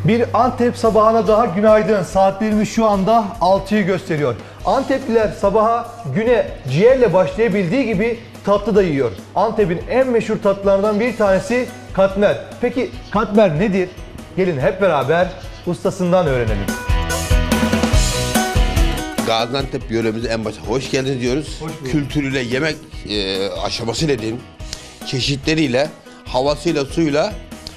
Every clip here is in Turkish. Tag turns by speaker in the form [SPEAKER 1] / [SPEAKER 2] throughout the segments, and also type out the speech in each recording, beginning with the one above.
[SPEAKER 1] Bir Antep sabahına daha günaydın. Saatlerimiz şu anda 6'yı gösteriyor. Antepliler sabaha güne ciğerle başlayabildiği gibi tatlı da yiyor. Antep'in en meşhur tatlılarından bir tanesi katmer. Peki katmer nedir? Gelin hep beraber ustasından öğrenelim.
[SPEAKER 2] Gaziantep yöremize en başta hoş geldiniz diyoruz. Kültürüyle, yemek aşamasıyla diyeyim, çeşitleriyle, havasıyla, suyla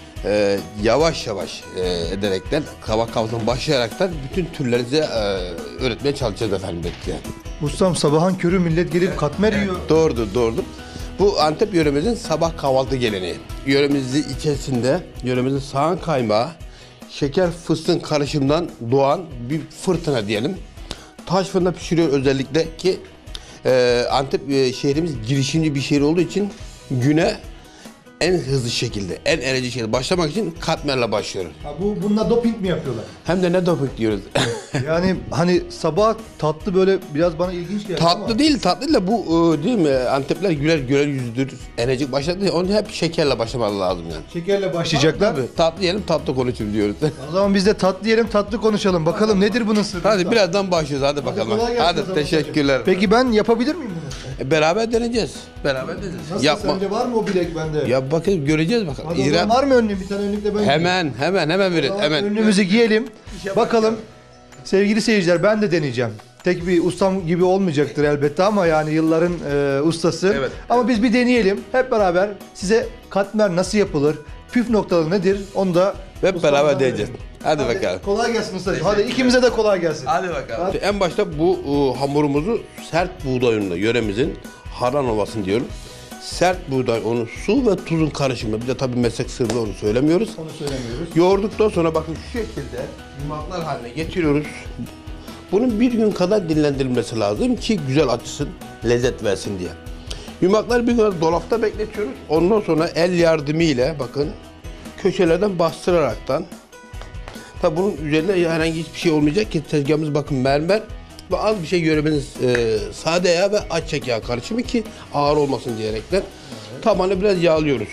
[SPEAKER 2] yavaş yavaş ederekten, kabak kavgasından başlayaraktan bütün türleri size öğretmeye çalışacağız efendim bekleyen.
[SPEAKER 1] Ustam sabahın körü millet gelip katmer yiyor.
[SPEAKER 2] Doğrudur. Bu Antep yöremizin sabah kahvaltı geleneği. Yöremizin içerisinde, yöremizin sağan kaymağı, şeker fıstığın karışımından doğan bir fırtına diyelim. Taş fırında pişiriyor özellikle ki Antep şehrimiz girişimci bir şehir olduğu için güne en hızlı şekilde, en enerjik şekilde başlamak için katmerle başlıyoruz.
[SPEAKER 1] Ha, bununla doping mi yapıyorlar?
[SPEAKER 2] Hem de ne doping diyoruz.
[SPEAKER 1] Yani hani sabah tatlı böyle biraz bana ilginç geldi ama.
[SPEAKER 2] tatlı değil da bu değil mi? Antepler güler yüzlüdür, enerjik başladı ya, onu hep şekerle başlamalı lazım yani.
[SPEAKER 1] Şekerle başlayacaklar.
[SPEAKER 2] Tabii, tatlı yiyelim, tatlı konuşuruz diyoruz.
[SPEAKER 1] O zaman biz de tatlı yiyelim, tatlı konuşalım. Bakalım nedir bunun sırrı?
[SPEAKER 2] Hadi birazdan başlıyoruz, hadi bakalım.
[SPEAKER 1] kolay gelsin o
[SPEAKER 2] Hadi
[SPEAKER 1] zaman.
[SPEAKER 2] teşekkürler.
[SPEAKER 1] Peki ben yapabilir miyim bunu?
[SPEAKER 2] Beraber deneyeceğiz.
[SPEAKER 1] Nasıl sence var mı o bilek bende?
[SPEAKER 2] Ya bakın göreceğiz bakalım.
[SPEAKER 1] Hadi o zaman var mı önlüğüm? Bir tane önlükle ben
[SPEAKER 2] Hemen verin. Hemen.
[SPEAKER 1] önlüğümüzü giyelim. Bakalım sevgili seyirciler ben de deneyeceğim. Tek bir ustam gibi olmayacaktır elbette ama yani yılların ustası.
[SPEAKER 2] Evet.
[SPEAKER 1] Ama biz bir deneyelim. Hep beraber size katmer nasıl yapılır? Püf noktaları nedir? Onu da
[SPEAKER 2] Hep
[SPEAKER 1] ustamdan
[SPEAKER 2] beraber deneyeceğiz.
[SPEAKER 1] öğrenelim.
[SPEAKER 2] Hadi bakalım.
[SPEAKER 1] Kolay gelsin ustacığım. Hadi ikimize de kolay gelsin.
[SPEAKER 2] Hadi bakalım. En başta bu hamurumuzu sert buğday unuyla, yöremizin Haran Ovası'nı diyorum. Sert buğday unu, su ve tuzun karışımı. Bir de tabii meslek sırrı onu söylemiyoruz.
[SPEAKER 1] Onu söylemiyoruz.
[SPEAKER 2] Yoğurduktan sonra bakın şu şekilde yumaklar haline getiriyoruz. Bunun bir gün kadar dinlendirilmesi lazım ki güzel açsın, lezzet versin diye. Yumakları bir gün dolapta bekletiyoruz. Ondan sonra el yardımıyla bakın köşelerden bastıraraktan. Tabi bunun üzerinde herhangi hiçbir şey olmayacak ki tezgahımız bakın mermer ve az bir şey göremeniz sade yağ ve ayçiçek yağı karışımı ki ağır olmasın diyerekten tabanı biraz yağlıyoruz.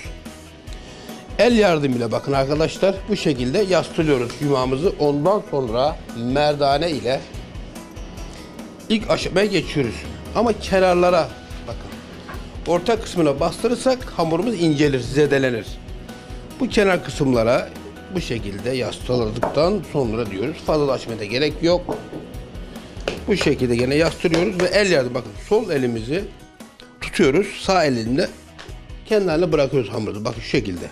[SPEAKER 2] El yardımıyla bakın arkadaşlar bu şekilde yastlıyoruz yumağımızı. Ondan sonra merdane ile ilk aşamaya geçiyoruz. Ama kenarlara bakın. Orta kısmına bastırırsak hamurumuz incelir, zedelenir. Bu kenar kısımlara bu şekilde yastaladıktan sonra diyoruz. Fazla açmaya da gerek yok. Bu şekilde gene yastırıyoruz ve el yardım bakın sol elimizi tutuyoruz. Sağ elimle kenarına bırakıyoruz hamuru. Bakın şu şekilde.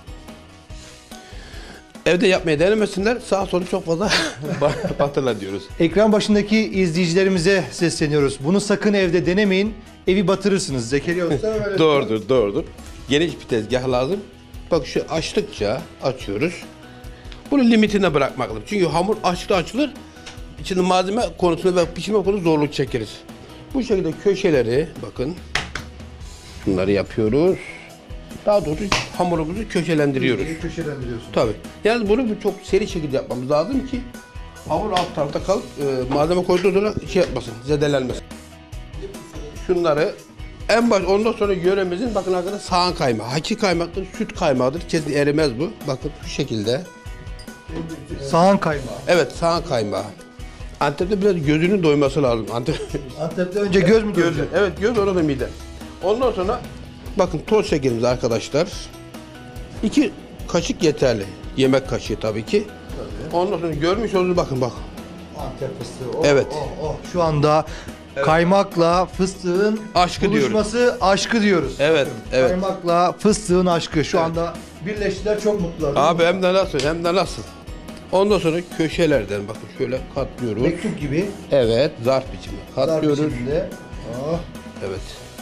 [SPEAKER 2] Evde yapmaya denemesinler. Sağ solu çok fazla batırlar diyoruz.
[SPEAKER 1] Ekran başındaki izleyicilerimize sesleniyoruz. Bunu sakın evde denemeyin. Evi batırırsınız. Zekeriya Usta öyle.
[SPEAKER 2] Doğrudur. Geniş bir tezgah lazım. Bak şu açtıkça açıyoruz. Bunu limitine bırakmak lazım. Çünkü hamur açılır. İçinde malzeme konusunda ve pişirme konusunda zorluk çekeriz. Bu şekilde köşeleri bakın. Bunları yapıyoruz. Daha doğrusu hamurumuzu köşelendiriyoruz.
[SPEAKER 1] Köşelendiriyorsun.
[SPEAKER 2] Tabii. Yani bunu çok seri şekilde yapmamız lazım ki hamur alt tarafta kalıp malzeme koyduğu sonra şey yapmasın, zedelenmesin. Şunları en baş ondan sonra yöremizin bakın arkadaşlar sağan kaymağı. Hakiki kaymaktır, süt kaymağıdır. Kesin erimez bu. Bakın şu şekilde.
[SPEAKER 1] Sağan kaymağı.
[SPEAKER 2] Evet, sağan kaymağı. Antep'te biraz gözünün doyması lazım.
[SPEAKER 1] Antep'te önce göz mü doyacak?
[SPEAKER 2] Evet, göz orada mide. Ondan sonra bakın toz şekerimiz arkadaşlar. 2 kaşık yeterli. Yemek kaşığı tabii ki. Tabii. Ondan sonra görmüş olduğunuz bakın.
[SPEAKER 1] Antep fıstığı.
[SPEAKER 2] Evet.
[SPEAKER 1] Şu anda kaymakla fıstığın
[SPEAKER 2] Aşkı
[SPEAKER 1] buluşması aşkı diyoruz.
[SPEAKER 2] Evet.
[SPEAKER 1] Kaymakla fıstığın aşkı. Şu anda birleştiler, çok mutlular.
[SPEAKER 2] Abi hem de nasıl? Ondan sonra köşelerden bakın şöyle katlıyoruz.
[SPEAKER 1] Mektup gibi.
[SPEAKER 2] Evet, zarf biçimde katlıyoruz.
[SPEAKER 1] Zarf biçiminde.
[SPEAKER 2] Evet.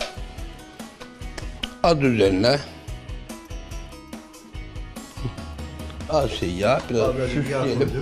[SPEAKER 2] Az üzerine az şey yağ, biraz süsleyelim.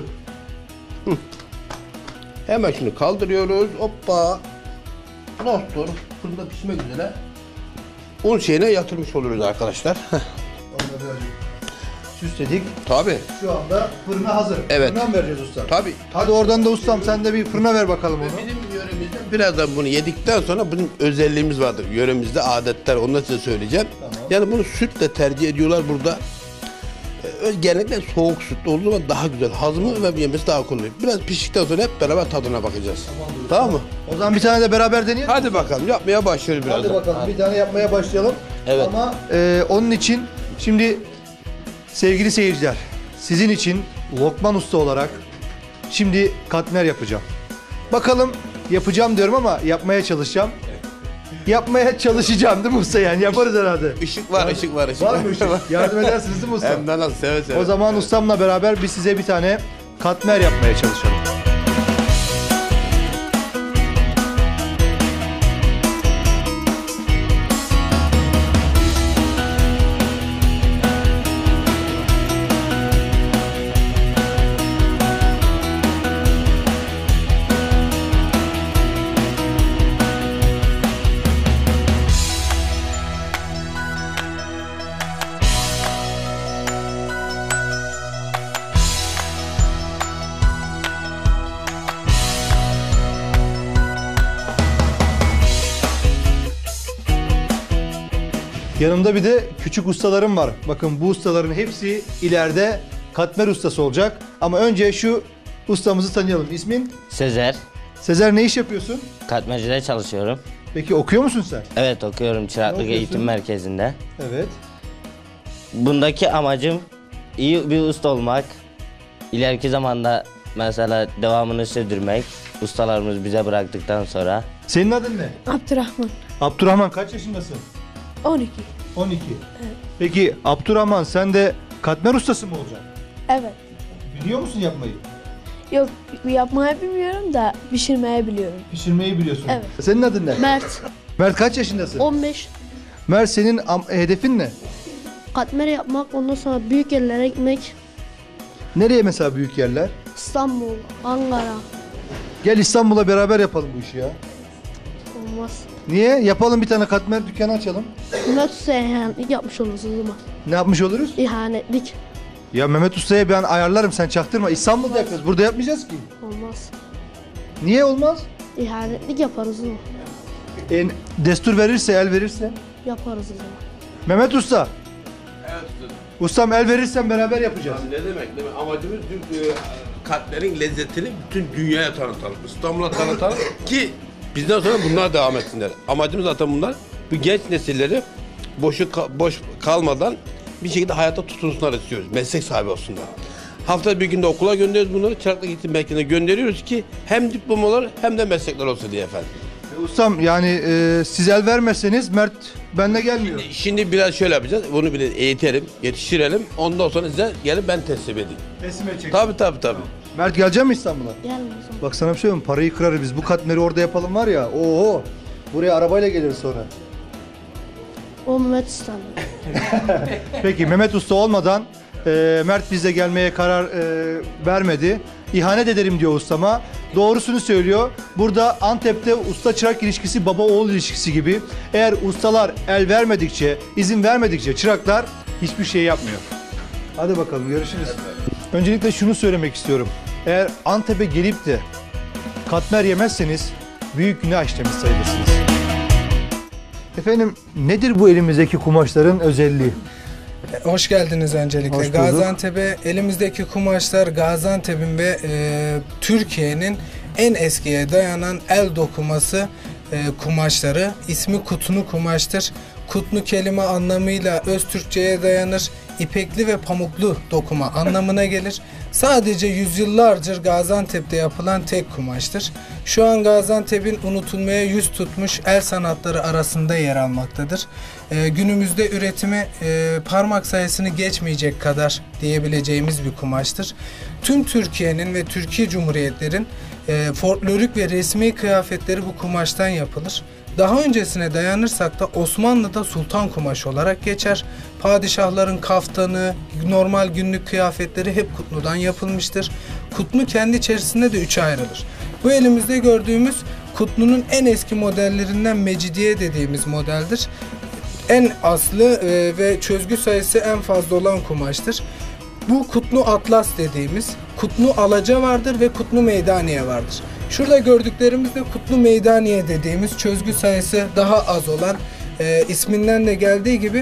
[SPEAKER 2] Hemen şunu kaldırıyoruz. Hoppa. Dostur. Fırında pişmek üzere. Un şeyine yatırmış oluruz arkadaşlar.
[SPEAKER 1] Onları birazcık süsledik.
[SPEAKER 2] Tabii.
[SPEAKER 1] Şu anda fırına hazır.
[SPEAKER 2] Evet.
[SPEAKER 1] Fırına mı vereceğiz ustam?
[SPEAKER 2] Tabii.
[SPEAKER 1] Hadi oradan da ustam sen de bir fırına ver bakalım onu.
[SPEAKER 2] Bizim yöremizde birazdan bunu yedikten sonra bizim özelliğimiz vardır. Yöremizde adetler, onu da size söyleyeceğim.
[SPEAKER 1] Tamam.
[SPEAKER 2] Yani bunu sütle tercih ediyorlar burada. genellikle soğuk sütlü olduğu zaman daha güzel. Hazmı ve yemesi daha kolay. Biraz piştikten sonra hep beraber tadına bakacağız. Tamam mı?
[SPEAKER 1] O zaman bir tane de beraber deneyelim.
[SPEAKER 2] Hadi bakalım yapmaya başlıyoruz biraz.
[SPEAKER 1] Hadi bakalım bir tane yapmaya başlayalım.
[SPEAKER 2] Evet.
[SPEAKER 1] Ama onun için şimdi sevgili seyirciler, sizin için Lokman Usta olarak şimdi katmer yapacağım. Bakalım, yapacağım diyorum ama yapmaya çalışacağım. Yapmaya çalışacağım değil mi usta, yani yaparız herhalde.
[SPEAKER 2] Işık var, ışık var, ışık
[SPEAKER 1] Var mı ışık? Yardım edersiniz değil mi usta?
[SPEAKER 2] Hem de nasıl, seve seve.
[SPEAKER 1] O zaman ustamla beraber biz size bir tane katmer yapmaya çalışalım. Yanımda bir de küçük ustalarım var. Bakın bu ustaların hepsi ileride katmer ustası olacak. Ama önce şu ustamızı tanıyalım. İsmin?
[SPEAKER 3] Sezer.
[SPEAKER 1] Sezer, ne iş yapıyorsun?
[SPEAKER 3] Katmercide çalışıyorum.
[SPEAKER 1] Peki okuyor musun sen?
[SPEAKER 3] Evet, okuyorum Çıraklık
[SPEAKER 1] okuyorsun?
[SPEAKER 3] Eğitim Merkezi'nde.
[SPEAKER 1] Evet.
[SPEAKER 3] Bundaki amacım iyi bir usta olmak. İleriki zamanda mesela devamını sürdürmek. Ustalarımız bize bıraktıktan sonra.
[SPEAKER 1] Senin adın ne?
[SPEAKER 4] Abdurrahman.
[SPEAKER 1] Abdurrahman, kaç yaşındasın?
[SPEAKER 4] 12.
[SPEAKER 1] 12. Peki Abdurrahman, sen de katmer ustası mı olacaksın?
[SPEAKER 4] Evet.
[SPEAKER 1] Biliyor musun yapmayı?
[SPEAKER 4] Yok, yapmayı bilmiyorum da pişirmeyi biliyorum.
[SPEAKER 1] Pişirmeyi biliyorsun.
[SPEAKER 4] Evet.
[SPEAKER 1] Senin adın ne?
[SPEAKER 4] Mert.
[SPEAKER 1] Mert, kaç yaşındasın?
[SPEAKER 4] 15.
[SPEAKER 1] Mert, senin hedefin ne?
[SPEAKER 4] Katmer yapmak, ondan sonra büyük yerlere gitmek.
[SPEAKER 1] Nereye mesela büyük yerler?
[SPEAKER 4] İstanbul, Ankara.
[SPEAKER 1] Gel İstanbul'a beraber yapalım bu işi ya.
[SPEAKER 4] Olmaz.
[SPEAKER 1] Niye? Yapalım, bir tane katmer dükkanı açalım.
[SPEAKER 4] Mehmet Usta'ya ihanetlik yapmış oluruz o zaman.
[SPEAKER 1] Ne yapmış oluruz?
[SPEAKER 4] İhanetlik.
[SPEAKER 1] Ya Mehmet Usta'ya ben ayarlarım, sen çaktırma. İstanbul'da yapacağız. Burada yapmayacağız ki.
[SPEAKER 4] Olmaz.
[SPEAKER 1] Niye olmaz?
[SPEAKER 4] İhanetlik yaparız o zaman.
[SPEAKER 1] Destur verirse, el verirse.
[SPEAKER 4] Yaparız o zaman.
[SPEAKER 1] Mehmet Usta.
[SPEAKER 2] Evet usta.
[SPEAKER 1] Ustam, el verirsen beraber yapacağız.
[SPEAKER 2] Ne demek? Amacımız katmerin lezzetini bütün dünyaya tanıtalım. İstanbul'a tanıtalım ki bizden sonra bunlar devam etsinler. Amacımız zaten bunlar. Bu genç nesilleri boş kalmadan bir şekilde hayata tutunsunlar istiyoruz. Meslek sahibi olsunlar. Haftada bir günde okula gönderiyoruz bunları. Çıraklık Eğitim Merkezi'ne gönderiyoruz ki hem diplomalar hem de meslekler olsun diye efendim.
[SPEAKER 1] Ustam, yani siz el vermezseniz Mert benimle gelmiyor.
[SPEAKER 2] Şimdi biraz şöyle yapacağız. Bunu bir eğitelim, yetiştirelim. Ondan sonra size gelip ben teslim edeyim.
[SPEAKER 1] Teslim edecek.
[SPEAKER 2] Tabii.
[SPEAKER 1] Mert, gelecek mi İstanbul'a?
[SPEAKER 4] Gelme o zaman.
[SPEAKER 1] Bak sana bir şey söyleyeyim mi? Parayı kırarız biz. Bu katmeri orada yapalım var ya. Oho. Buraya arabayla geliriz sonra.
[SPEAKER 4] O Mehmet Usta'nın.
[SPEAKER 1] Peki Mehmet Usta olmadan Mert bize gelmeye karar vermedi. İhanet ederim diyor ustama. Doğrusunu söylüyor. Burada Antep'te usta çırak ilişkisi baba oğul ilişkisi gibi. Eğer ustalar el vermedikçe, izin vermedikçe çıraklar hiçbir şey yapmıyor. Hadi bakalım, görüşürüz. Öncelikle şunu söylemek istiyorum. Eğer Antep'e gelip de katmer yemezseniz büyük günah işlemiş sayılırsınız. Efendim, nedir bu elimizdeki kumaşların özelliği?
[SPEAKER 5] Hoş geldiniz öncelikle.
[SPEAKER 1] Hoş bulduk.
[SPEAKER 5] Gaziantep'e elimizdeki kumaşlar Gaziantep'in ve Türkiye'nin en eskiye dayanan el dokuması kumaşları. İsmi kutnu kumaştır. Kutnu kelime anlamıyla Öztürkçe'ye dayanır. İpekli ve pamuklu dokuma anlamına gelir. Sadece yüzyıllardır Gaziantep'te yapılan tek kumaştır. Şu an Gaziantep'in unutulmaya yüz tutmuş el sanatları arasında yer almaktadır. Günümüzde üretimi parmak sayısını geçmeyecek kadar diyebileceğimiz bir kumaştır. Tüm Türkiye'nin ve Türkiye Cumhuriyetlerin folklorik ve resmi kıyafetleri bu kumaştan yapılır. Daha öncesine dayanırsak da Osmanlı'da sultan kumaşı olarak geçer. Padişahların kaftanı, normal günlük kıyafetleri hep kutnudan yapılmıştır. Kutnu kendi içerisinde de üçe ayrılır. Bu elimizde gördüğümüz kutnunun en eski modellerinden Mecidiye dediğimiz modeldir. En aslı ve çözgü sayısı en fazla olan kumaştır. Bu kutnu atlas dediğimiz, kutnu alaca vardır ve kutnu meydaniye vardır. Şurada gördüklerimiz de kutnu meydaniye dediğimiz çözgü sayısı daha az olan, isminden de geldiği gibi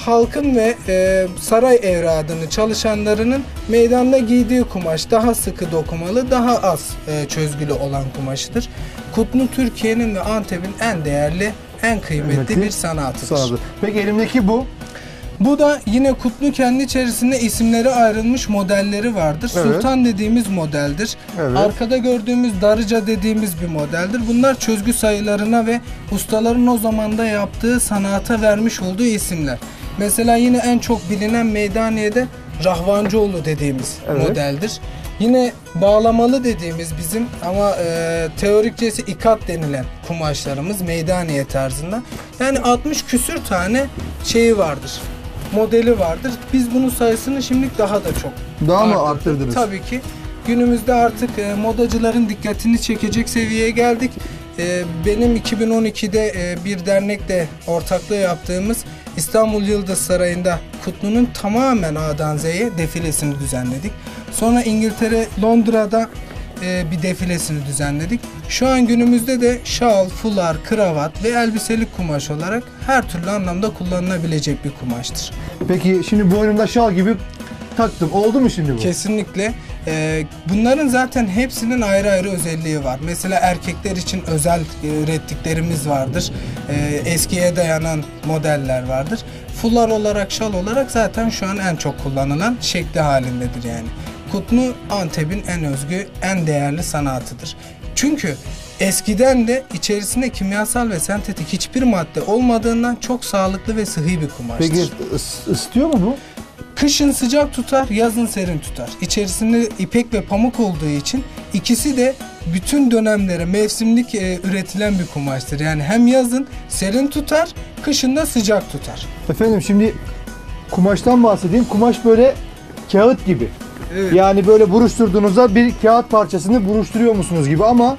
[SPEAKER 5] halkın ve saray evradını çalışanlarının meydanda giydiği kumaş daha sıkı dokumalı, daha az çözgülü olan kumaşıdır. Kutnu Türkiye'nin ve Antep'in en değerli, en kıymetli bir sanatıdır.
[SPEAKER 1] Sanatı. Peki elimdeki bu?
[SPEAKER 5] Bu da yine Kutlu kendi içerisinde isimleri ayrılmış modelleri vardır.
[SPEAKER 1] Evet.
[SPEAKER 5] Sultan dediğimiz modeldir.
[SPEAKER 1] Evet.
[SPEAKER 5] Arkada gördüğümüz Darıca dediğimiz bir modeldir. Bunlar çözgü sayılarına ve ustaların o zamanda yaptığı sanata vermiş olduğu isimler. Mesela yine en çok bilinen Meydaniye'de Rahvancıoğlu dediğimiz
[SPEAKER 1] Evet.
[SPEAKER 5] modeldir. Yine bağlamalı dediğimiz bizim ama teorikçesi ikat denilen kumaşlarımız Meydaniye tarzında. Yani 60 küsür tane şeyi vardır. Modeli vardır. Biz bunun sayısını şimdilik daha da çok
[SPEAKER 1] Daha mı
[SPEAKER 5] arttırdık.
[SPEAKER 1] arttırdınız?
[SPEAKER 5] Tabii ki. Günümüzde artık modacıların dikkatini çekecek seviyeye geldik. Benim 2012'de bir dernekle ortaklığı yaptığımız İstanbul Yıldız Sarayı'nda Kutlu'nun tamamen A'dan Z'ye defilesini düzenledik. Sonra İngiltere, Londra'da bir defilesini düzenledik. Şu an günümüzde de şal, fular, kravat ve elbiselik kumaş olarak her türlü anlamda kullanılabilecek bir kumaştır.
[SPEAKER 1] Peki şimdi boynumda şal gibi taktım. Oldu mu şimdi bu?
[SPEAKER 5] Kesinlikle. Bunların zaten hepsinin ayrı ayrı özelliği var. Mesela erkekler için özel ürettiklerimiz vardır. Eskiye dayanan modeller vardır. Fular olarak, şal olarak zaten şu an en çok kullanılan şekli halindedir yani. Kutnu Antep'in en özgü, en değerli sanatıdır. Çünkü eskiden de içerisinde kimyasal ve sentetik hiçbir madde olmadığından çok sağlıklı ve sıhhi bir kumaştır.
[SPEAKER 1] Peki ısıtıyor mu bu?
[SPEAKER 5] Kışın sıcak tutar, yazın serin tutar. İçerisinde ipek ve pamuk olduğu için ikisi de bütün dönemlere mevsimlik üretilen bir kumaştır. Yani hem yazın serin tutar, kışın da sıcak tutar.
[SPEAKER 1] Efendim şimdi kumaştan bahsedeyim. Kumaş böyle kağıt gibi.
[SPEAKER 5] Evet.
[SPEAKER 1] Yani böyle buruşturduğunuzda bir kağıt parçasını buruşturuyor musunuz gibi ama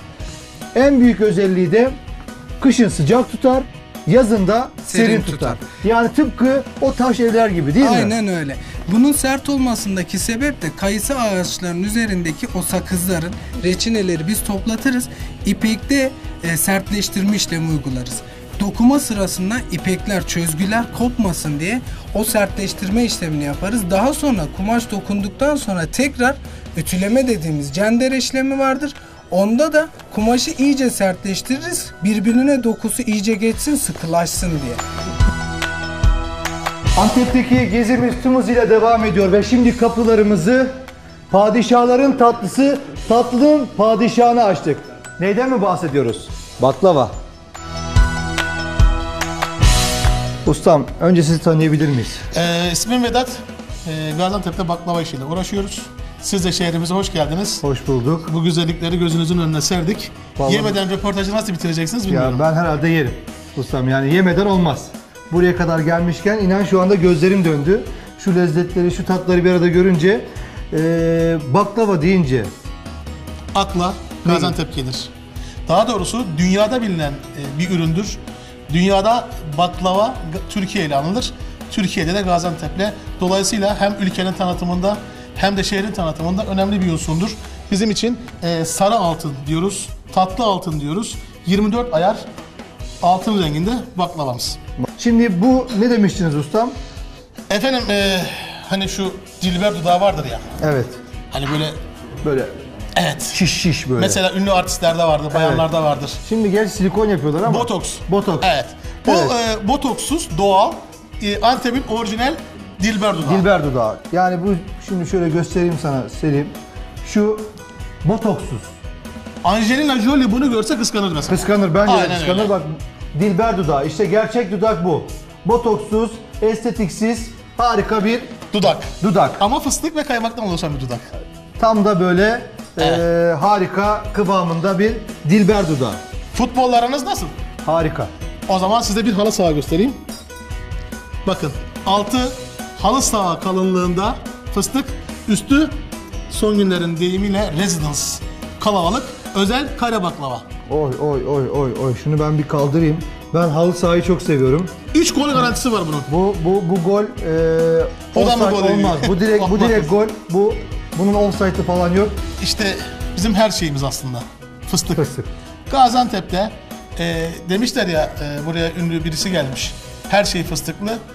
[SPEAKER 1] en büyük özelliği de kışın sıcak tutar, yazın da serin tutar. Yani tıpkı o taş evler gibi değil mi?
[SPEAKER 5] Aynen öyle. Bunun sert olmasındaki sebep de kayısı ağaçlarının üzerindeki o sakızların, reçineleri biz toplatırız. İpekte sertleştirme işlemi uygularız. Dokuma sırasında ipekler, çözgüler kopmasın diye o sertleştirme işlemini yaparız. Daha sonra kumaş dokunduktan sonra tekrar ütüleme dediğimiz cender işlemi vardır. Onda da kumaşı iyice sertleştiririz. Birbirine dokusu iyice geçsin, sıkılaşsın diye.
[SPEAKER 1] Antep'teki gezimiz tüm hızıyla devam ediyor ve şimdi kapılarımızı padişahların tatlısı, tatlının padişahını açtık. Neyden mi bahsediyoruz? Baklava. Ustam, önce sizi tanıyabilir miyiz?
[SPEAKER 6] İsmim Vedat. Gaziantep'te baklava işiyle uğraşıyoruz. Siz de şehrimize hoş geldiniz.
[SPEAKER 1] Hoş bulduk.
[SPEAKER 6] Bu güzellikleri gözünüzün önüne serdik.
[SPEAKER 1] Vallahi-
[SPEAKER 6] Yemeden röportajı nasıl bitireceksiniz bilmiyorum.
[SPEAKER 1] Ya ben herhalde yerim. Ustam yani yemeden olmaz. Buraya kadar gelmişken inan şu anda gözlerim döndü. Şu lezzetleri, şu tatları bir arada görünce baklava deyince
[SPEAKER 6] Akla Gaziantep gelir. Daha doğrusu dünyada bilinen bir üründür. Dünyada baklava Türkiye ile anılır. Türkiye'de de Gaziantep'le. Dolayısıyla hem ülkenin tanıtımında hem de şehrin tanıtımında önemli bir unsurdur. Bizim için sarı altın diyoruz, tatlı altın diyoruz. 24 ayar altın renginde baklavamız.
[SPEAKER 1] Şimdi bu ne demiştiniz ustam?
[SPEAKER 6] Efendim hani şu Dilber dudağı vardır ya.
[SPEAKER 1] Evet.
[SPEAKER 6] Hani böyle
[SPEAKER 1] Böyle
[SPEAKER 6] evet.
[SPEAKER 1] şiş böyle.
[SPEAKER 6] Mesela ünlü artistlerde vardır, bayanlarda vardır.
[SPEAKER 1] Şimdi gerçi silikon yapıyorlar ama.
[SPEAKER 6] Botoks.
[SPEAKER 1] Botoks.
[SPEAKER 6] Evet. Bu
[SPEAKER 1] Evet.
[SPEAKER 6] botoksuz, doğal, Antep'in orijinal Dilber dudağı.
[SPEAKER 1] Dilber dudağı. Yani bu şimdi şöyle göstereyim sana Selim. Şu botoksuz.
[SPEAKER 6] Angelina Jolie bunu görse kıskanır mesela.
[SPEAKER 1] Kıskanır bence de
[SPEAKER 6] Aynen
[SPEAKER 1] kıskanır.
[SPEAKER 6] öyle.
[SPEAKER 1] Bak Dilber dudağı. İşte gerçek dudak bu. Botoksuz, estetiksiz, harika bir
[SPEAKER 6] Dudak.
[SPEAKER 1] dudak.
[SPEAKER 6] Ama fıstık ve kaymaktan oluşan bir dudak.
[SPEAKER 1] Tam da böyle harika kıvamında bir Dilber dudağı.
[SPEAKER 6] Futbollarınız nasıl?
[SPEAKER 1] Harika.
[SPEAKER 6] O zaman size bir halı saha göstereyim. Bakın altı halı saha kalınlığında fıstık, üstü son günlerin deyimiyle residence, kalabalık, özel kare baklava.
[SPEAKER 1] Oy oy oy oy oy. Şunu ben bir kaldırayım. Ben halı sahayı çok seviyorum.
[SPEAKER 6] 3 gol garantisi var bunun.
[SPEAKER 1] Bu gol
[SPEAKER 6] O da mı
[SPEAKER 1] offside
[SPEAKER 6] gol değil?
[SPEAKER 1] olmaz. Bu direkt
[SPEAKER 6] Olmaz.
[SPEAKER 1] gol. Bunun offside'ı falan yok.
[SPEAKER 6] İşte bizim her şeyimiz aslında. Fıstık.
[SPEAKER 1] Fıstık.
[SPEAKER 6] Gaziantep'te demişler ya buraya ünlü birisi gelmiş. Her şey fıstıklı.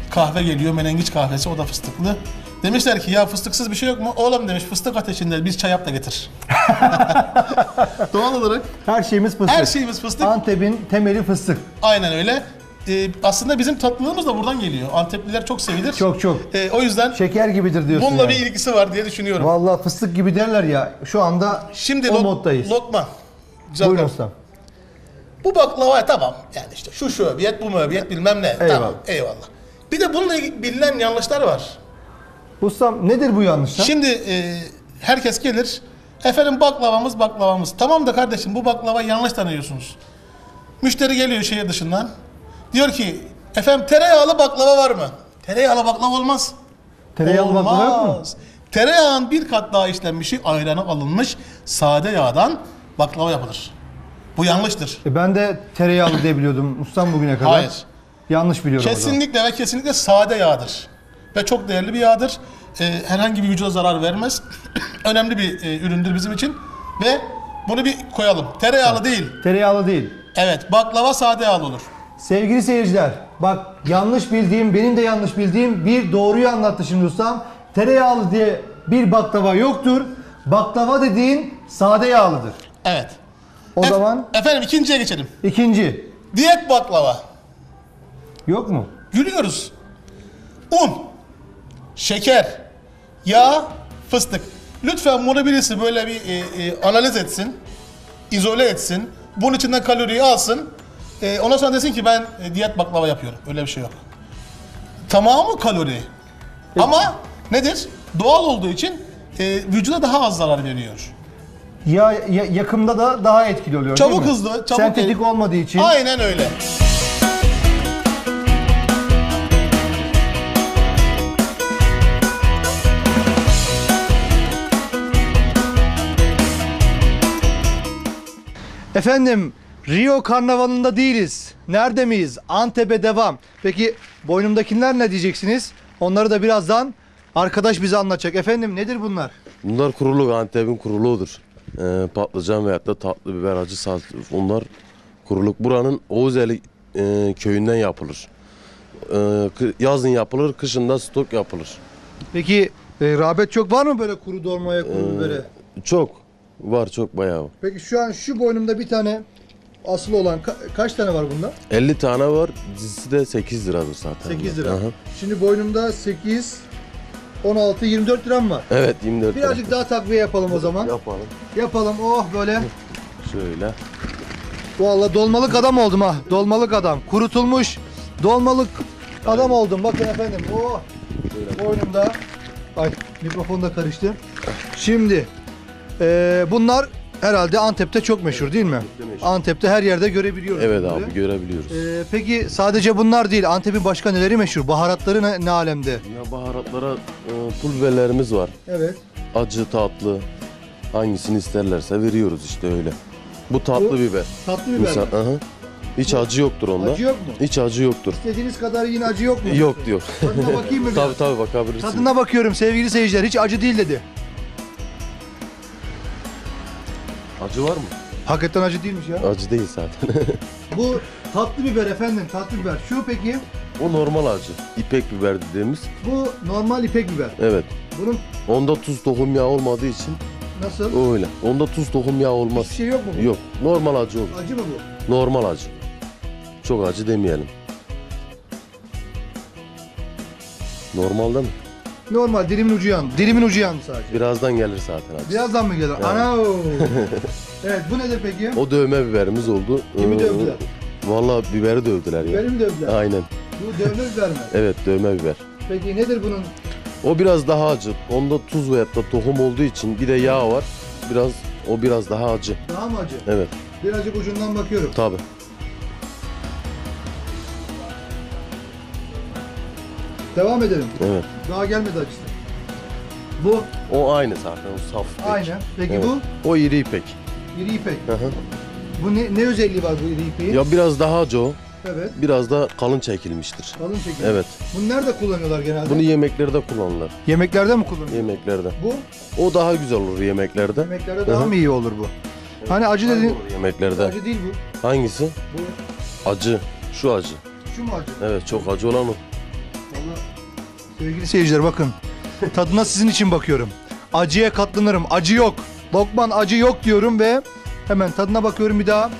[SPEAKER 6] kahve geliyor, menengiç kahvesi, o da fıstıklı. Demişler ki ya fıstıksız bir şey yok mu? Oğlum demiş, fıstık ateşinde biz çay yap da getir. Doğal olarak
[SPEAKER 1] Her şeyimiz fıstık.
[SPEAKER 6] her şeyimiz fıstık.
[SPEAKER 1] Antep'in temeli fıstık.
[SPEAKER 6] Aynen öyle. Aslında bizim tatlılığımız da buradan geliyor. Antepliler çok sevilir.
[SPEAKER 1] Çok çok.
[SPEAKER 6] O yüzden
[SPEAKER 1] Şeker gibidir diyorsun
[SPEAKER 6] bununla
[SPEAKER 1] yani.
[SPEAKER 6] bir ilgisi var diye düşünüyorum.
[SPEAKER 1] Vallahi fıstık gibi derler ya. Şu anda
[SPEAKER 6] Şimdi
[SPEAKER 1] o moddayız.
[SPEAKER 6] Lokman. Güzel
[SPEAKER 1] Buyurun
[SPEAKER 6] kardeşim.
[SPEAKER 1] ustam.
[SPEAKER 6] Bu baklava tamam. Yani işte şu öbiyet, bu öbiyet bilmem ne.
[SPEAKER 1] Eyvallah.
[SPEAKER 6] Tamam, eyvallah. Bir de bununla ilgili bilinen yanlışlar var.
[SPEAKER 1] Ustam nedir bu yanlışlar?
[SPEAKER 6] Şimdi herkes gelir. Efendim baklavamız. Tamam da kardeşim bu baklava yanlış tanıyorsunuz. Müşteri geliyor şehir dışından. Diyor ki efendim tereyağlı baklava var mı? Tereyağlı baklava olmaz.
[SPEAKER 1] Tereyağlı baklava yok mu?
[SPEAKER 6] Tereyağın bir kat daha işlenmişi, ayranı alınmış sade yağdan baklava yapılır. Bu yanlıştır.
[SPEAKER 1] Ben de tereyağlı diye biliyordum ustam bugüne kadar.
[SPEAKER 6] Hayır.
[SPEAKER 1] Yanlış biliyorum o zaman.
[SPEAKER 6] Kesinlikle ve kesinlikle sade yağdır. Ve çok değerli bir yağdır. Herhangi bir vücuda zarar vermez. Önemli bir üründür bizim için. Ve bunu bir koyalım. Tereyağlı değil.
[SPEAKER 1] Tereyağlı değil.
[SPEAKER 6] Evet, baklava sade yağlı olur.
[SPEAKER 1] Sevgili seyirciler, bak yanlış bildiğim, benim de yanlış bildiğim bir doğruyu anlattı şimdi ustam. Tereyağlı diye bir baklava yoktur. Baklava dediğin sade yağlıdır.
[SPEAKER 6] Evet.
[SPEAKER 1] O zaman
[SPEAKER 6] Efendim ikinciye geçelim.
[SPEAKER 1] ikinci.
[SPEAKER 6] Diyet baklava.
[SPEAKER 1] Yok mu?
[SPEAKER 6] Gülüyoruz. Un, şeker, yağ, fıstık. Lütfen bunu birisi böyle bir analiz etsin, izole etsin. Bunun içinden kaloriyi alsın. Ondan sonra desin ki ben diyet baklava yapıyorum. Öyle bir şey yok. Tamamı kalori. Ama nedir? Doğal olduğu için vücuda daha az zarar veriyor.
[SPEAKER 1] Yakımda da daha etkili oluyor
[SPEAKER 6] Çabuk
[SPEAKER 1] değil mi?
[SPEAKER 6] hızlı, çabuk
[SPEAKER 1] Sentetik olmadığı için.
[SPEAKER 6] Aynen öyle.
[SPEAKER 1] Efendim Rio Karnavalı'nda değiliz. Nerede miyiz? Antep'e devam. Peki boynumdakiler ne diyeceksiniz? Onları da birazdan arkadaş bize anlatacak. Efendim nedir bunlar?
[SPEAKER 7] Bunlar kuruluk, Antep'in kuruluğudur. Patlıcan veyahut da tatlı biber, acı saz, onlar kuruluk. Buranın Oğuzeli köyünden yapılır. Yazın yapılır, kışın da stok yapılır.
[SPEAKER 1] Peki rağbet çok var mı böyle kuru dolmaya, kuru bibere?
[SPEAKER 7] Çok var, çok bayağı var.
[SPEAKER 1] Peki şu an şu boynumda bir tane asılı olan kaç tane var bunda?
[SPEAKER 7] 50 tane var, dizisi de 8 liradır zaten.
[SPEAKER 1] 8 lira.
[SPEAKER 7] Aha.
[SPEAKER 1] Şimdi boynumda 8, 16, 24 liram var.
[SPEAKER 7] Evet, 24 lira.
[SPEAKER 1] Birazcık daha takviye yapalım o zaman.
[SPEAKER 7] Yapalım.
[SPEAKER 1] Yapalım. Oh böyle.
[SPEAKER 7] Şöyle.
[SPEAKER 1] Vallahi dolmalık adam oldum ha. Dolmalık adam. Kurutulmuş dolmalık adam oldum. Bakın efendim. Oh. Boynumda. Ay mikrofon da karıştı. Şimdi bunlar herhalde Antep'te çok meşhur değil mi?
[SPEAKER 7] meşhur.
[SPEAKER 1] Antep'te her yerde görebiliyoruz.
[SPEAKER 7] Evet
[SPEAKER 1] bunları.
[SPEAKER 7] abi, görebiliyoruz.
[SPEAKER 1] Peki sadece bunlar değil. Antep'in başka neleri meşhur? Baharatları ne alemde?
[SPEAKER 7] Ya baharatlara pul biberlerimiz var.
[SPEAKER 1] Evet.
[SPEAKER 7] Acı, tatlı. Hangisini isterlerse veriyoruz işte öyle. Bu tatlı
[SPEAKER 1] Bu
[SPEAKER 7] biber.
[SPEAKER 1] Tatlı biber.
[SPEAKER 7] Misal, aha. Hiç acı yoktur onda.
[SPEAKER 1] Acı yok mu?
[SPEAKER 7] Hiç acı yoktur.
[SPEAKER 1] İstediğiniz kadar yine acı yok mu?
[SPEAKER 7] Yok diyor.
[SPEAKER 1] Tadına bakayım mı biraz?
[SPEAKER 7] Tabii tabii bakabilirsin.
[SPEAKER 1] Tadına bakıyorum sevgili seyirciler. Hiç acı değil dedi.
[SPEAKER 7] Acı var mı?
[SPEAKER 1] Hakikaten acı değilmiş ya.
[SPEAKER 7] Acı değil zaten.
[SPEAKER 1] Bu tatlı biber efendim, tatlı biber. Şu peki,
[SPEAKER 7] O normal acı. İpek biber dediğimiz.
[SPEAKER 1] bu normal ipek biber.
[SPEAKER 7] Evet.
[SPEAKER 1] Bunun
[SPEAKER 7] Onda tuz tohum yağı olmadığı için
[SPEAKER 1] nasıl?
[SPEAKER 7] öyle. Onda tuz tohum yağı olmaz.
[SPEAKER 1] Hiçbir şey yok mu? Bu?
[SPEAKER 7] Yok. Normal acı olur.
[SPEAKER 1] Acı mı bu?
[SPEAKER 7] Normal acı. Çok acı demeyelim. Normal değil mi?
[SPEAKER 1] Normal, dilimin ucu yandı. Dilimin ucu yandı sadece.
[SPEAKER 7] Birazdan gelir zaten acı.
[SPEAKER 1] Birazdan mı gelir? Ana! Evet, bu nedir peki?
[SPEAKER 7] O dövme biberimiz oldu.
[SPEAKER 1] Kimi dövdüler?
[SPEAKER 7] Vallahi biberi dövdüler ya.
[SPEAKER 1] Biberi mi dövdüler?
[SPEAKER 7] Aynen.
[SPEAKER 1] Bu dövme biber mi?
[SPEAKER 7] Evet, dövme biber.
[SPEAKER 1] Peki nedir bunun?
[SPEAKER 7] O biraz daha acı. Onda tuz veyahut da tohum olduğu için bir de yağ var. O biraz daha acı.
[SPEAKER 1] Daha mı acı?
[SPEAKER 7] Evet,
[SPEAKER 1] Birazcık ucundan bakıyorum.
[SPEAKER 7] tabii.
[SPEAKER 1] Devam edelim.
[SPEAKER 7] Evet.
[SPEAKER 1] Daha gelmedi acısı. Bu
[SPEAKER 7] O aynı zaten, o saf ipek.
[SPEAKER 1] aynı. Peki
[SPEAKER 7] Evet.
[SPEAKER 1] bu?
[SPEAKER 7] O iri ipek.
[SPEAKER 1] İri ipek.
[SPEAKER 7] Hı hı.
[SPEAKER 1] Bu ne özelliği var bu iri ipeğin?
[SPEAKER 7] Ya biraz daha acı o.
[SPEAKER 1] Evet.
[SPEAKER 7] Biraz da kalın çekilmiştir.
[SPEAKER 1] Kalın şekilde.
[SPEAKER 7] Evet.
[SPEAKER 1] Bunu nerede kullanıyorlar genelde?
[SPEAKER 7] Bunu yemeklerde kullanılır.
[SPEAKER 1] Yemeklerde mi kullanıyorlar?
[SPEAKER 7] Yemeklerde.
[SPEAKER 1] Bu
[SPEAKER 7] O daha güzel olur yemeklerde.
[SPEAKER 1] yemeklerde
[SPEAKER 7] Hı
[SPEAKER 1] daha
[SPEAKER 7] hı.
[SPEAKER 1] mı iyi olur bu? Hani acı dedin.
[SPEAKER 7] Olur yemeklerde.
[SPEAKER 1] Acı değil bu.
[SPEAKER 7] Hangisi?
[SPEAKER 1] Bu
[SPEAKER 7] Acı. Şu acı.
[SPEAKER 1] şu mu acı?
[SPEAKER 7] Evet, çok acı olan o.
[SPEAKER 1] Sevgili seyirciler bakın. Tadına sizin için bakıyorum. Acıya katlanırım. Acı yok. Lokman acı yok diyorum ve hemen tadına bakıyorum bir daha.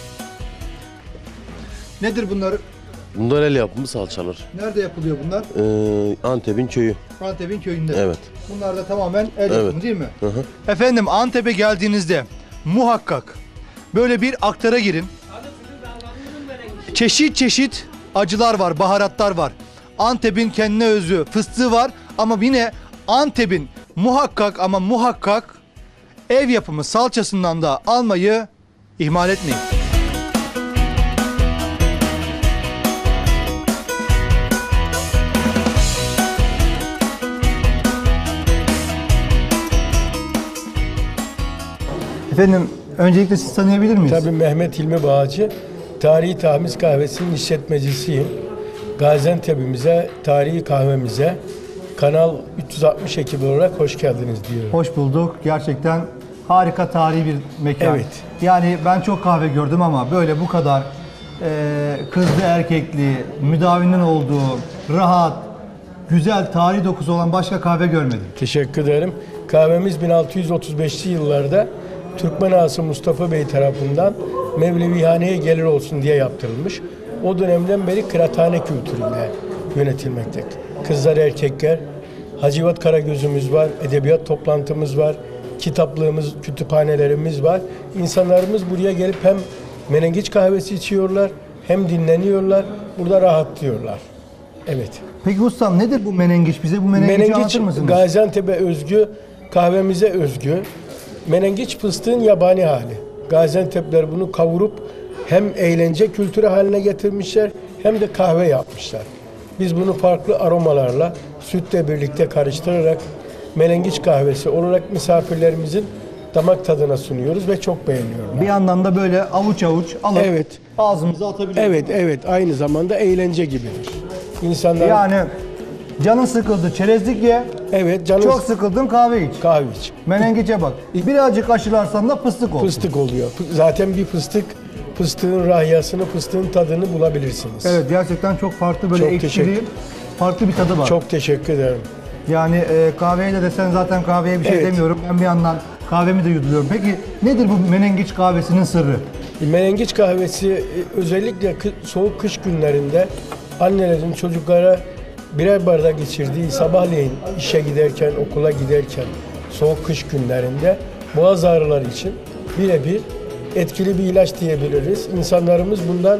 [SPEAKER 1] Nedir bunlar?
[SPEAKER 7] Bunlar el yapımı salçalar.
[SPEAKER 1] Nerede yapılıyor bunlar?
[SPEAKER 7] Antep'in köyü.
[SPEAKER 1] Antep'in köyünde.
[SPEAKER 7] Evet.
[SPEAKER 1] Bunlar da tamamen el
[SPEAKER 7] Evet.
[SPEAKER 1] yapımı değil mi?
[SPEAKER 7] Hı hı.
[SPEAKER 1] Efendim Antep'e geldiğinizde muhakkak böyle bir aktara girin. Çeşit çeşit acılar var, baharatlar var. Antep'in kendine özgü fıstığı var ama yine Antep'in muhakkak ama muhakkak ev yapımı salçasından da almayı ihmal etmeyin. Efendim öncelikle sizi tanıyabilir miyiz?
[SPEAKER 8] Tabii Mehmet Hilmi Bağcı, Tarihi Tamiz Kahvesi'nin işletmecisiyim. Gaziantep'imize, tarihi kahvemize, Kanal 360 ekibi olarak hoş geldiniz diyorum.
[SPEAKER 1] Hoş bulduk. Gerçekten harika tarihi bir mekan.
[SPEAKER 8] Evet.
[SPEAKER 1] Yani ben çok kahve gördüm ama böyle bu kadar kızlı erkekli, müdavinin olduğu, rahat, güzel tarihi dokusu olan başka kahve görmedim.
[SPEAKER 8] Teşekkür ederim. Kahvemiz 1635'li yıllarda Türkmen ağası Mustafa Bey tarafından Mevlevihaneye gelir olsun diye yaptırılmış. O dönemden beri kıraathane kültürüyle yönetilmekte. Kızlar, erkekler, Hacivat Karagözümüz var, edebiyat toplantımız var, kitaplığımız, kütüphanelerimiz var. İnsanlarımız buraya gelip hem menengiç kahvesi içiyorlar, hem dinleniyorlar, burada rahatlıyorlar. Evet.
[SPEAKER 1] Peki ustam nedir bu menengiç? Bize bu menengiçi
[SPEAKER 8] Menengiç
[SPEAKER 1] anlatır mısınız?
[SPEAKER 8] Gaziantep'e özgü, kahvemize özgü. Menengiç fıstığın yabani hali. Gaziantep'ler bunu kavurup hem eğlence kültürü haline getirmişler hem de kahve yapmışlar. Biz bunu farklı aromalarla sütle birlikte karıştırarak menengiç kahvesi olarak misafirlerimizin damak tadına sunuyoruz ve çok beğeniyorlar.
[SPEAKER 1] Bir yandan da böyle avuç avuç alıp
[SPEAKER 8] Evet.
[SPEAKER 1] ağzımıza atabiliyoruz.
[SPEAKER 8] Evet, aynı zamanda eğlence gibidir. İnsanlar
[SPEAKER 1] Yani canın sıkıldı çerezlik ye,
[SPEAKER 8] evet canım
[SPEAKER 1] çok sıkıldın kahve iç.
[SPEAKER 8] kahve iç.
[SPEAKER 1] Menengiçe bak. Birazcık aşılarsan da fıstık olur.
[SPEAKER 8] Fıstık oluyor. Zaten bir fıstığın rahyasını, fıstığın tadını bulabilirsiniz.
[SPEAKER 1] Evet gerçekten çok farklı böyle
[SPEAKER 8] Çok
[SPEAKER 1] ekşili,
[SPEAKER 8] teşekkür-
[SPEAKER 1] farklı bir tadı var.
[SPEAKER 8] Çok teşekkür ederim.
[SPEAKER 1] Yani kahveye de desen zaten kahveye bir şey
[SPEAKER 8] Evet.
[SPEAKER 1] demiyorum. Ben bir yandan kahvemi de yuduluyorum. Peki nedir bu menengiç kahvesinin sırrı?
[SPEAKER 8] Menengiç kahvesi özellikle soğuk kış günlerinde annelerin çocuklara birer bardak içirdiği sabahleyin işe giderken, okula giderken soğuk kış günlerinde boğaz ağrıları için birebir etkili bir ilaç diyebiliriz. İnsanlarımız bundan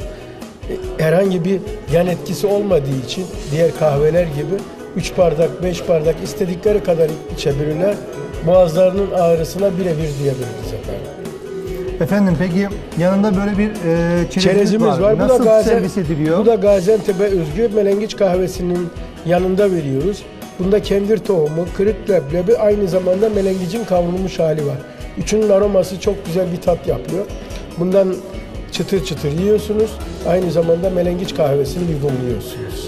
[SPEAKER 8] herhangi bir yan etkisi olmadığı için diğer kahveler gibi 3 bardak, 5 bardak istedikleri kadar içebilirler. Boğazlarının ağrısına birebir diyebiliriz efendim.
[SPEAKER 1] Efendim peki yanında böyle bir
[SPEAKER 8] Çerezimiz var.
[SPEAKER 1] Nasıl
[SPEAKER 8] Bu da
[SPEAKER 1] servis ediliyor?
[SPEAKER 8] Bu da Gaziantep'e özgü menengiç kahvesinin yanında veriyoruz. Bunda kendir tohumu, kırık leblebi, aynı zamanda menengicin kavrulmuş hali var. Üçünün aroması çok güzel bir tat yapıyor. Bundan çıtır çıtır yiyorsunuz. Aynı zamanda menengiç kahvesini yudumluyorsunuz.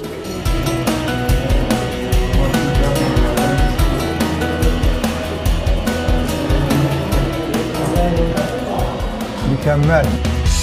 [SPEAKER 1] Mükemmel.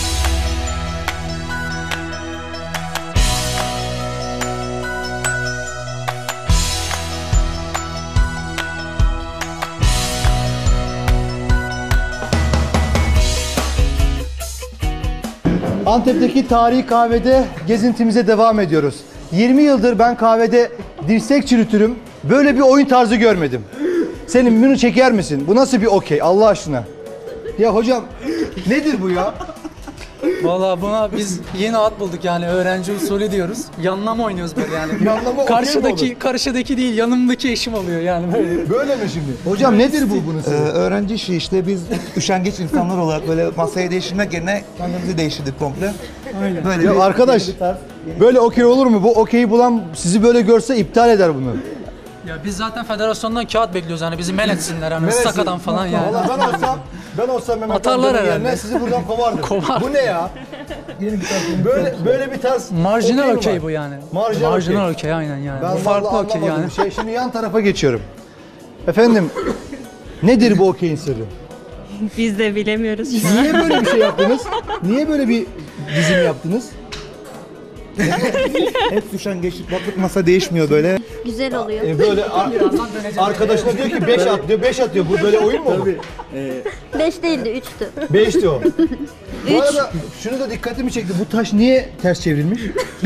[SPEAKER 1] Antep'teki tarihi kahvede gezintimize devam ediyoruz. 20 yıldır ben kahvede dirsek çürütürüm. Böyle bir oyun tarzı görmedim. Senin bunu çeker misin? Bu nasıl bir okey Allah aşkına? Ya hocam nedir bu ya?
[SPEAKER 9] Valla buna biz yeni ad bulduk yani öğrenci usulü diyoruz. Yanlama oynuyoruz böyle yani.
[SPEAKER 1] Yanlama okey mi
[SPEAKER 9] Karşıdaki değil yanımdaki eşim oluyor yani böyle.
[SPEAKER 1] Böyle mi şimdi? Hocam nedir bu bunun sırrı?
[SPEAKER 10] Öğrenci işi işte biz üşengeç insanlar olarak böyle masayı değiştirmek yerine kendimizi değiştirdik komple. Aynen. Böyle
[SPEAKER 1] Ya arkadaş böyle okey olur mu? Bu okeyi bulan sizi böyle görse iptal eder bunu.
[SPEAKER 9] Ya biz zaten federasyondan kağıt bekliyoruz yani bizi men etsinler hani sakadan falan yani.
[SPEAKER 1] Valla ben olsam Mehmet
[SPEAKER 9] Atarlar
[SPEAKER 1] Amca'nın
[SPEAKER 9] herhalde.
[SPEAKER 1] yerine sizi buradan kovardım.
[SPEAKER 9] Kovar.
[SPEAKER 1] Bu ne ya? Böyle bir tarz
[SPEAKER 9] Marjinal
[SPEAKER 1] mi
[SPEAKER 9] okey
[SPEAKER 1] var?
[SPEAKER 9] bu yani.
[SPEAKER 1] Marjinal
[SPEAKER 9] okey aynen yani.
[SPEAKER 1] Ben
[SPEAKER 9] Bu farklı
[SPEAKER 1] vallahi
[SPEAKER 9] okey
[SPEAKER 1] anlamadım
[SPEAKER 9] yani.
[SPEAKER 1] bir şey. Şimdi yan tarafa geçiyorum. Efendim nedir bu okeyin sırrı?
[SPEAKER 11] Biz de bilemiyoruz şu an.
[SPEAKER 1] Niye böyle bir şey yaptınız? Niye böyle bir dizim yaptınız?
[SPEAKER 10] Hep üşengeçlik, baklık masa değişmiyor böyle.
[SPEAKER 11] Güzel oluyor.
[SPEAKER 1] Böyle arkadaşına diyor ki 5 at diyor, 5 atıyor. Bu böyle oyun mu olur?
[SPEAKER 11] 5 değildi, 3'tü.
[SPEAKER 1] 5'ti o. Bu
[SPEAKER 11] Üç.
[SPEAKER 1] arada şunu da dikkatimi çekti. Bu taş niye ters çevrilmiş?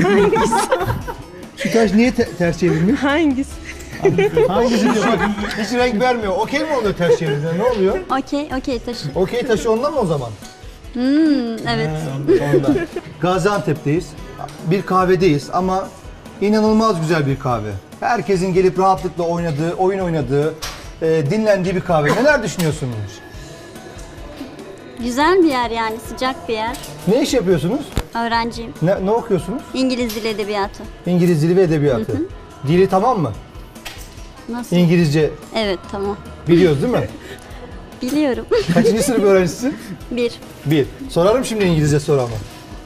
[SPEAKER 1] Şu taş niye ters çevrilmiş?
[SPEAKER 12] Hangisi?
[SPEAKER 1] Hangisi diyor bak hiç renk vermiyor. Okey mi oluyor ters çevirince? Ne oluyor?
[SPEAKER 11] Okey taşı.
[SPEAKER 1] Okey taşı ondan mı o zaman?
[SPEAKER 11] Evet.
[SPEAKER 1] Ondan. Gaziantep'teyiz. Bir kahvedeyiz ama inanılmaz güzel bir kahve. Herkesin gelip rahatlıkla oynadığı, oyun oynadığı, dinlendiği bir kahve. Neler düşünüyorsunuz?
[SPEAKER 11] Güzel bir yer yani, sıcak bir yer.
[SPEAKER 1] Ne iş yapıyorsunuz?
[SPEAKER 11] Öğrenciyim.
[SPEAKER 1] Ne okuyorsunuz?
[SPEAKER 11] İngiliz Dili Edebiyatı.
[SPEAKER 1] İngiliz dili ve edebiyatı. Dili tamam mı?
[SPEAKER 11] Nasıl?
[SPEAKER 1] İngilizce
[SPEAKER 11] Evet, tamam.
[SPEAKER 1] biliyoruz değil mi?
[SPEAKER 11] Biliyorum.
[SPEAKER 1] Kaçıncı sınıf öğrencisisin?
[SPEAKER 11] 1.
[SPEAKER 1] 1. Sorarım şimdi İngilizce soru ama.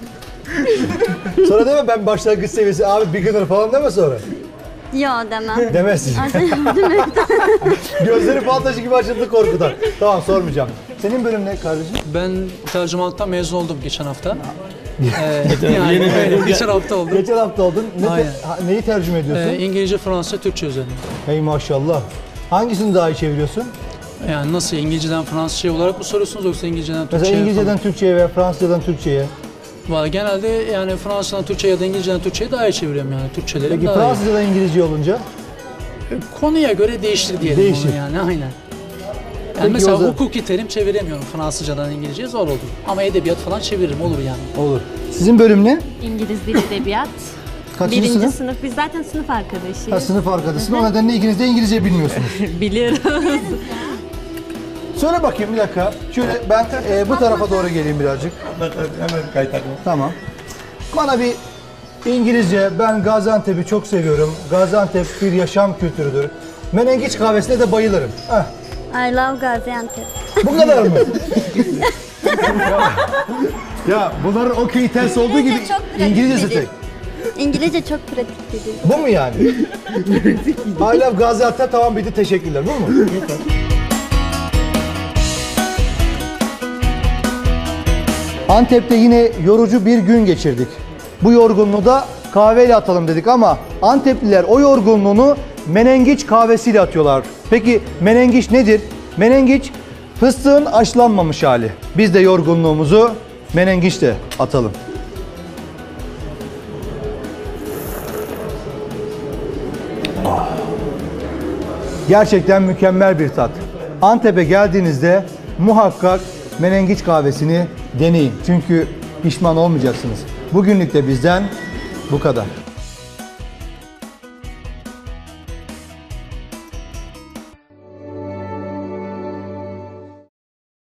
[SPEAKER 1] Sonra deme ben başlangıç seviyesi abi beginner falan deme sonra.
[SPEAKER 11] Yo demem.
[SPEAKER 1] Demezsin.
[SPEAKER 11] Değil mi?
[SPEAKER 1] Gözleri fal taşı gibi açıldı korkudan. Tamam sormayacağım. Senin bölüm ne kardeşim?
[SPEAKER 9] Ben tercümanlıktan mezun oldum geçen hafta. Yani öyle, geçen hafta oldum.
[SPEAKER 1] Geçen hafta oldun.
[SPEAKER 9] Aynen.
[SPEAKER 1] Neyi tercüme ediyorsun?
[SPEAKER 9] İngilizce, Fransızca, Türkçe üzerine.
[SPEAKER 1] Hey maşallah. Hangisini daha iyi çeviriyorsun?
[SPEAKER 9] Yani nasıl, İngilizceden Fransızca olarak mı soruyorsunuz yoksa İngilizceden Türkçe'ye?
[SPEAKER 1] Mesela İngilizceden Türkçe'ye veya Fransızcadan Türkçe'ye.
[SPEAKER 9] Genelde yani Fransızcadan Türkçe'ye ya da İngilizceden Türkçe'ye daha iyi çeviriyorum yani. Türkçeleri
[SPEAKER 1] Peki
[SPEAKER 9] daha
[SPEAKER 1] Fransızcadan İngilizce olunca?
[SPEAKER 9] iyi. Konuya göre değiştir diyelim
[SPEAKER 1] Değişir.
[SPEAKER 9] onu yani, aynen. Yani
[SPEAKER 1] Peki
[SPEAKER 9] mesela
[SPEAKER 1] o zaman-
[SPEAKER 9] hukuki terim çeviremiyorum Fransızcadan İngilizceye, zor olur. Ama edebiyat falan çeviririm, olur yani.
[SPEAKER 1] Olur. Sizin bölüm ne?
[SPEAKER 12] İngiliz Dili Edebiyat.
[SPEAKER 1] Kaçıncı
[SPEAKER 12] Birinci
[SPEAKER 1] sınıf?
[SPEAKER 12] sınıf. Biz zaten sınıf arkadaşıyız.
[SPEAKER 1] Ha, sınıf arkadaşısın. O nedenle ikiniz de İngilizce bilmiyorsunuz.
[SPEAKER 12] Biliyoruz.
[SPEAKER 1] Söyle bakayım bir dakika. Şöyle ben bu tarafa doğru geleyim birazcık.
[SPEAKER 10] Hemen kaytarma.
[SPEAKER 1] Tamam. Bana bir İngilizce, ben Gaziantep'i çok seviyorum. Gaziantep bir yaşam kültürüdür. Menengiç kahvesine de bayılırım. Heh,
[SPEAKER 11] I love Gaziantep.
[SPEAKER 1] bu kadar mı? Ya bunların okey ters olduğu gibi
[SPEAKER 11] İngilizce çok pratik
[SPEAKER 1] İngilizcesi
[SPEAKER 11] bir dil.
[SPEAKER 1] tek.
[SPEAKER 11] İngilizce çok pratik bir dil.
[SPEAKER 1] Bu mu yani? I love Gaziantep tamam bitti teşekkürler. Bu mu? Antep'te yine yorucu bir gün geçirdik. Bu yorgunluğu da kahveyle atalım dedik ama Antepliler o yorgunluğunu menengiç kahvesiyle atıyorlar. Peki menengiç nedir? Menengiç fıstığın haşlanmamış hali. Biz de yorgunluğumuzu menengiçle atalım. Gerçekten mükemmel bir tat. Antep'e geldiğinizde muhakkak menengiç kahvesini deneyin. Çünkü pişman olmayacaksınız. Bugünlük de bizden bu kadar.